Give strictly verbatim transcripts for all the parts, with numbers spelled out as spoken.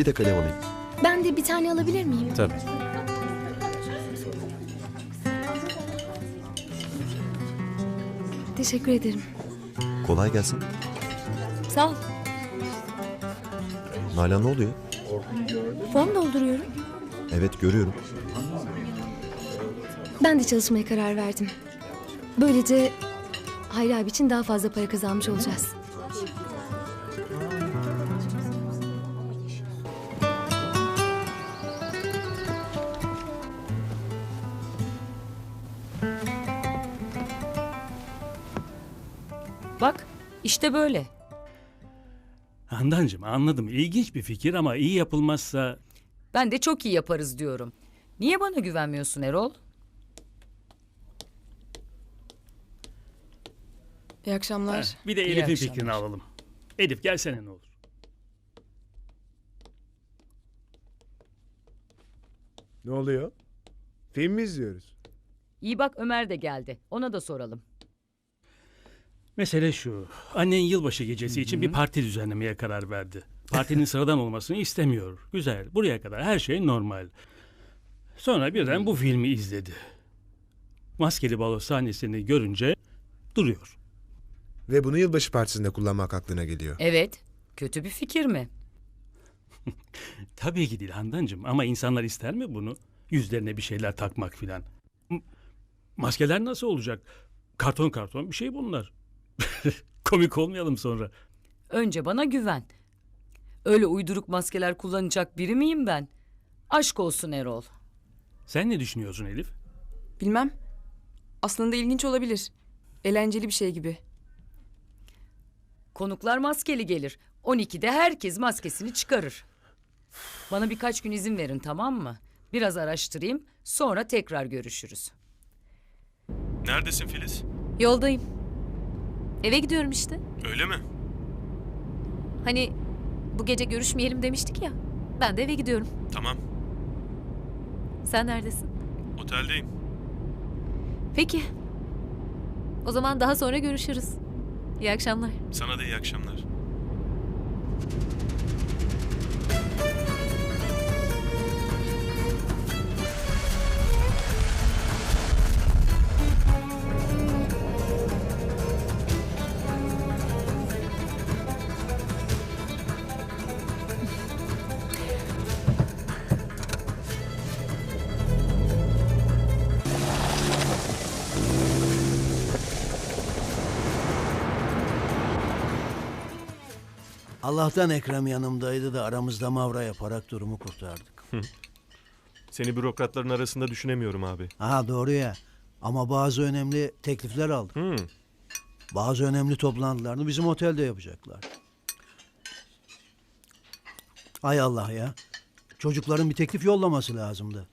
Bir de kalem alayım. Ben de bir tane alabilir miyim? Tabii. Teşekkür ederim. Kolay gelsin. Sağ ol. Nalan ne oluyor? Form dolduruyorum. Evet görüyorum. Ben de çalışmaya karar verdim. Böylece Hayri abi için daha fazla para kazanmış olacağız. Bak işte böyle. Handancığım anladım. İlginç bir fikir ama iyi yapılmazsa... Ben de çok iyi yaparız diyorum. Niye bana güvenmiyorsun Erol? İyi akşamlar. Heh, bir de İyi Elif'in akşamlar. fikrini alalım. Elif gelsene ne olur. Ne oluyor? Film mi izliyoruz? İyi bak Ömer de geldi. Ona da soralım. Mesele şu. Annen yılbaşı gecesi için bir parti düzenlemeye karar verdi. Partinin sıradan olmasını istemiyor. Güzel. Buraya kadar her şey normal. Sonra birden bu filmi izledi. Maskeli balo sahnesini görünce duruyor. Ve bunu yılbaşı partisinde kullanmak aklına geliyor. Evet. Kötü bir fikir mi? Tabii ki değil Handancığım ama insanlar ister mi bunu? Yüzlerine bir şeyler takmak filan. M- Maskeler nasıl olacak? Karton karton bir şey bunlar. Komik olmayalım sonra. Önce bana güven. Öyle uyduruk maskeler kullanacak biri miyim ben? Aşk olsun Erol. Sen ne düşünüyorsun Elif? Bilmem. Aslında ilginç olabilir. Eğlenceli bir şey gibi. Konuklar maskeli gelir. on ikide herkes maskesini çıkarır. Bana birkaç gün izin verin tamam mı? Biraz araştırayım sonra tekrar görüşürüz. Neredesin Filiz? Yoldayım. Eve gidiyorum işte. Öyle mi? Hani bu gece görüşmeyelim demiştik ya. Ben de eve gidiyorum. Tamam. Sen neredesin? Oteldeyim. Peki. O zaman daha sonra görüşürüz. İyi akşamlar. Sana da iyi akşamlar. Allah'tan Ekrem yanımdaydı da aramızda mavra yaparak durumu kurtardık. Seni bürokratların arasında düşünemiyorum abi. Ha doğru ya. Ama bazı önemli teklifler aldık. Hmm. Bazı önemli toplantılarını bizim otelde yapacaklar. Ay Allah ya. Çocukların bir teklif yollaması lazımdı.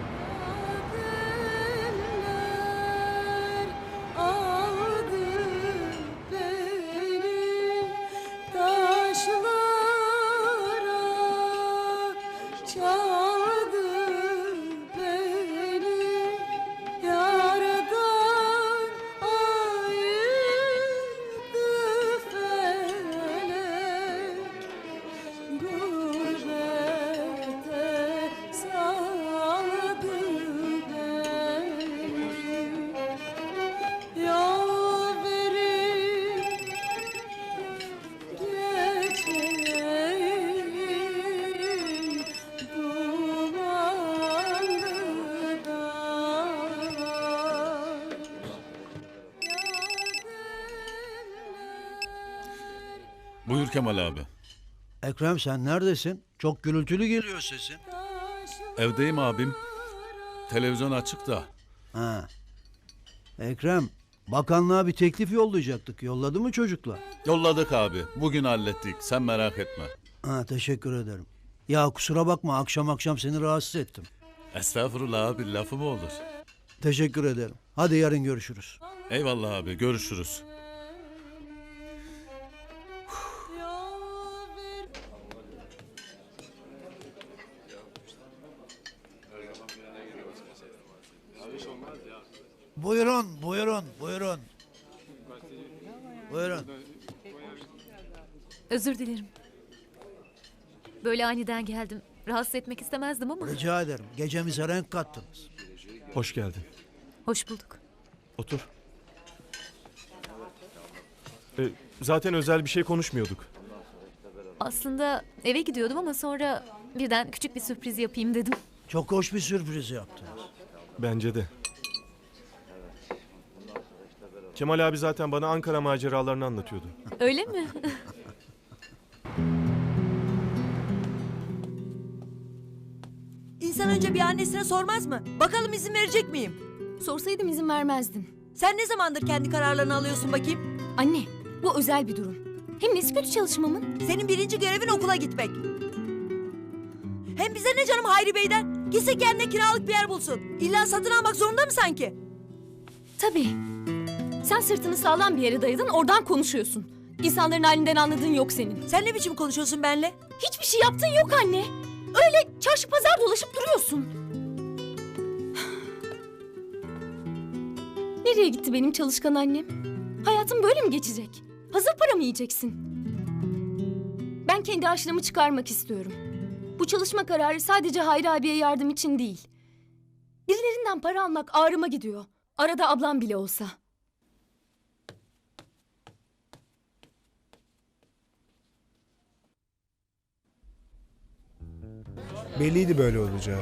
Buyur Kemal abi. Ekrem sen neredesin? Çok gürültülü geliyor sesin. Evdeyim abim. Televizyon açık da. Ha. Ekrem, bakanlığa bir teklif yollayacaktık. Yolladı mı çocuklar? Yolladık abi. Bugün hallettik. Sen merak etme. Ha, teşekkür ederim. Ya kusura bakma akşam akşam seni rahatsız ettim. Estağfurullah abi, lafı mı olur? Teşekkür ederim. Hadi yarın görüşürüz. Eyvallah abi, görüşürüz. Buyurun, buyurun, buyurun. Buyurun. Özür dilerim. Böyle aniden geldim. Rahatsız etmek istemezdim ama. Rica ederim. Gecemize renk kattınız. Hoş geldin. Hoş bulduk. Otur. Ee, zaten özel bir şey konuşmuyorduk. Aslında eve gidiyordum ama sonra birden küçük bir sürpriz yapayım dedim. Çok hoş bir sürpriz yaptınız. Bence de. Kemal abi zaten bana Ankara maceralarını anlatıyordu. Öyle mi? İnsan önce bir annesine sormaz mı? Bakalım izin verecek miyim? Sorsaydım izin vermezdin. Sen ne zamandır kendi kararlarını alıyorsun bakayım? Anne, bu özel bir durum. Hem nesi kötü çalışmamın? Senin birinci görevin okula gitmek. Hem bize ne canım Hayri Bey'den? Gitsin kendine kiralık bir yer bulsun. İlla satın almak zorunda mı sanki? Tabii. Sen sırtını sağlam bir yere dayadın, oradan konuşuyorsun. İnsanların halinden anladığın yok senin. Sen ne biçim konuşuyorsun benle? Hiçbir şey yaptığın yok anne. Öyle çarşı pazar dolaşıp duruyorsun. Nereye gitti benim çalışkan annem? Hayatım böyle mi geçecek? Hazır para mı yiyeceksin? Ben kendi harçlığımı çıkarmak istiyorum. Bu çalışma kararı sadece Hayri abiye yardım için değil. Birilerinden para almak ağrıma gidiyor. Arada ablam bile olsa. Belliydi böyle olacağı.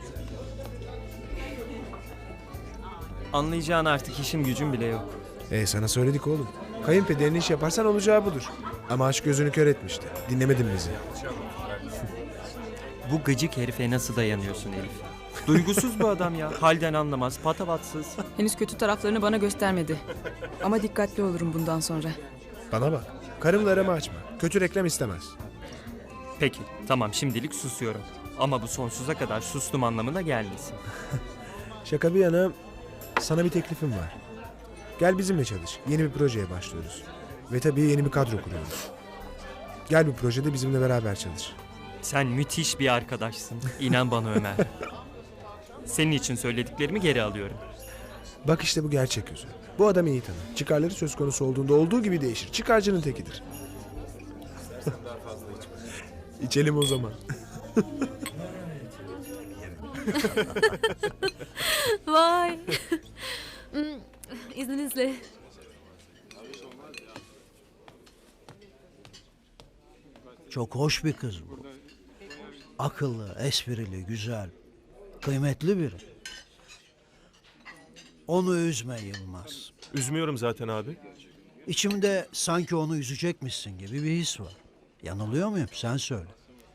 Anlayacağın artık işim gücüm bile yok. E sana söyledik oğlum. Kayınpederin iş yaparsan olacağı budur. Ama aşk gözünü kör etmişti. Dinlemedin bizi. Bu gıcık herife nasıl dayanıyorsun Elif? Duygusuz bu adam ya. Halden anlamaz, patavatsız. Henüz kötü taraflarını bana göstermedi. Ama dikkatli olurum bundan sonra. Bana bak. Karımla arama açma. Kötü reklam istemez. Peki, tamam şimdilik susuyorum. Ama bu sonsuza kadar sustum anlamına gelmesin. Şaka bir yana sana bir teklifim var. Gel bizimle çalış. Yeni bir projeye başlıyoruz. Ve tabii yeni bir kadro kuruyoruz. Gel bu projede bizimle beraber çalış. Sen müthiş bir arkadaşsın. İnan bana Ömer. Senin için söylediklerimi geri alıyorum. Bak işte bu gerçek yüzü. Bu adam iyi tanır. Çıkarları söz konusu olduğunda olduğu gibi değişir. Çıkarcının tekidir. İçelim o zaman. Vay. Hmm, İzninizle. Çok hoş bir kız bu. Akıllı, esprili, güzel. Kıymetli biri. Onu üzme Yılmaz. Üzmüyorum zaten abi. İçimde sanki onu üzecekmişsin gibi bir his var. Yanılıyor muyum? Sen söyle.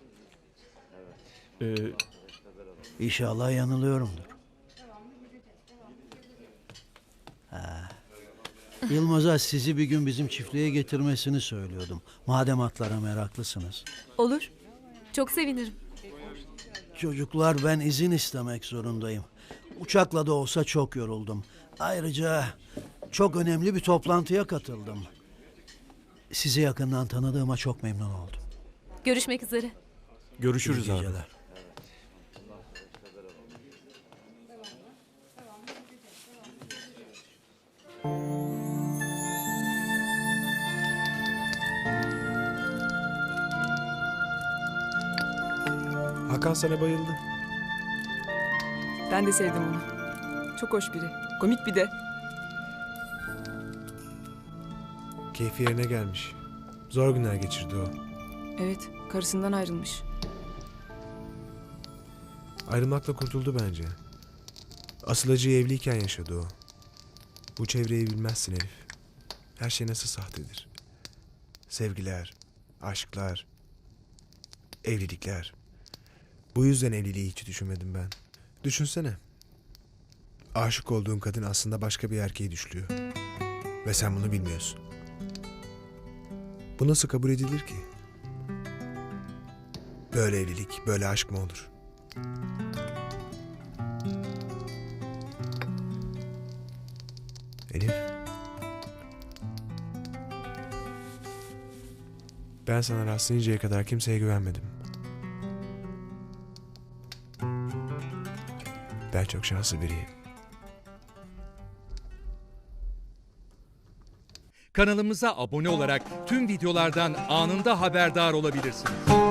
Ee, İnşallah yanılıyorumdur. Ha. Yılmaz'a sizi bir gün bizim çiftliğe getirmesini söylüyordum. Madem atlara meraklısınız. Olur. Çok sevinirim. Çocuklar, ben izin istemek zorundayım. Uçakla da olsa çok yoruldum. Ayrıca çok önemli bir toplantıya katıldım. Sizi yakından tanıdığıma çok memnun oldum. Görüşmek üzere. görüşürüz İyi abi. geceler. Hakan sana bayıldı. Ben de sevdim onu. Çok hoş biri. Komik bir de. Keyfi yerine gelmiş. Zor günler geçirdi o. Evet, karısından ayrılmış. Ayrılmakla kurtuldu bence. Asıl acıyı evliyken yaşadı o. Bu çevreyi bilmezsin Elif. Her şey nasıl sahtedir. Sevgiler, aşklar, evlilikler. Bu yüzden evliliği hiç düşünmedim ben. Düşünsene. Aşık olduğun kadın aslında başka bir erkeği düşlüyor. Ve sen bunu bilmiyorsun. Bu nasıl kabul edilir ki? Böyle evlilik, böyle aşk mı olur? Elif. Ben sana rastlayıncaya kadar kimseye güvenmedim. Ben çok şanslı biriyim. Kanalımıza abone olarak tüm videolardan anında haberdar olabilirsiniz.